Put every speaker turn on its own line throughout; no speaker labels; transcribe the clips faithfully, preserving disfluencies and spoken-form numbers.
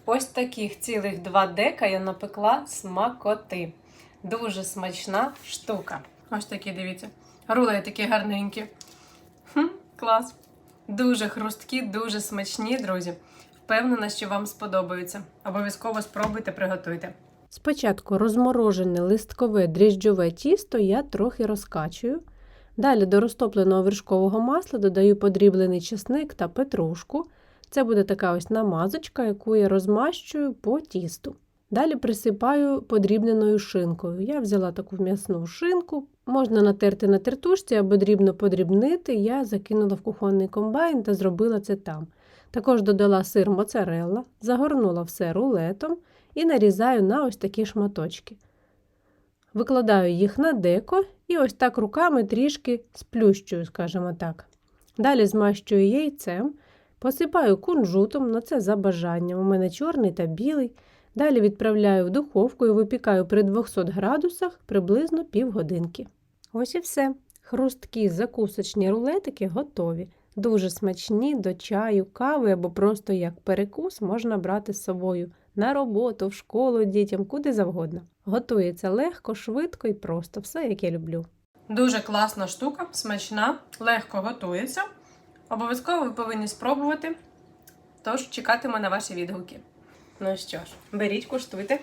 Ось таких цілих два дека я напекла смакоти. Дуже смачна штука. Ось такі, дивіться. Рулеї такі гарненькі. Хм, клас. Дуже хрусткі, дуже смачні, друзі. Впевнена, що вам сподобаються. Обов'язково спробуйте, приготуйте. Спочатку розморожене листкове дріжджове тісто я трохи розкачую. Далі до розтопленого вершкового масла додаю подріблений чесник та петрушку. Це буде така ось намазочка, яку я розмащую по тісту. Далі присипаю подрібненою шинкою. Я взяла таку м'ясну шинку. Можна натерти на тертушці або дрібно подрібнити. Я закинула в кухонний комбайн та зробила це там. Також додала сир моцарелла, загорнула все рулетом і нарізаю на ось такі шматочки. Викладаю їх на деко і ось так руками трішки сплющую, скажімо так. Далі змащую яйцем, посипаю кунжутом, но це за бажанням. У мене чорний та білий. Далі відправляю в духовку і випікаю при двохсот градусах приблизно півгодинки. Ось і все. Хрусткі закусочні рулетики готові. Дуже смачні до чаю, кави або просто як перекус можна брати з собою на роботу, в школу дітям, куди завгодно. Готується легко, швидко і просто. Все, як я люблю. Дуже класна штука, смачна, легко готується. Обов'язково ви повинні спробувати. Тож чекатиму на ваші відгуки. Ну що ж, беріть, куштуйте.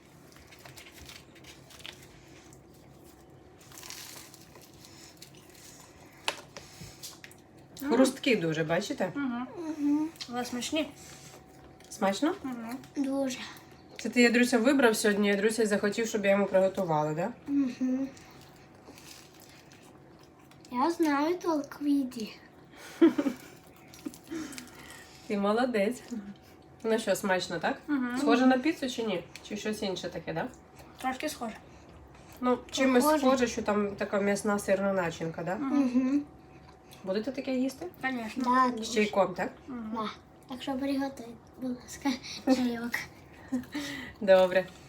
Хрусткі дуже, бачите?
Угу. Угу. Але смачні.
Смачно?
Угу. Дуже.
Це ти, Ядруся, вибрав сьогодні, Ядруся захотів, щоб я йому приготувала, так? Да?
Угу. Я знаю толк в їді.
Ти молодець. Ну що, смачно, так?
Угу.
Схоже на піцу чи ні? Чи щось інше таке, так? Да?
Трошки схоже.
Ну, чимось
Похоже.
схоже, що там така м'ясна сирна начинка, так? Да?
Угу.
Будете таке їсти?
Звісно.
З чайком, так?
Да. Так що приготуй, будь ласка, чайок.
Добре.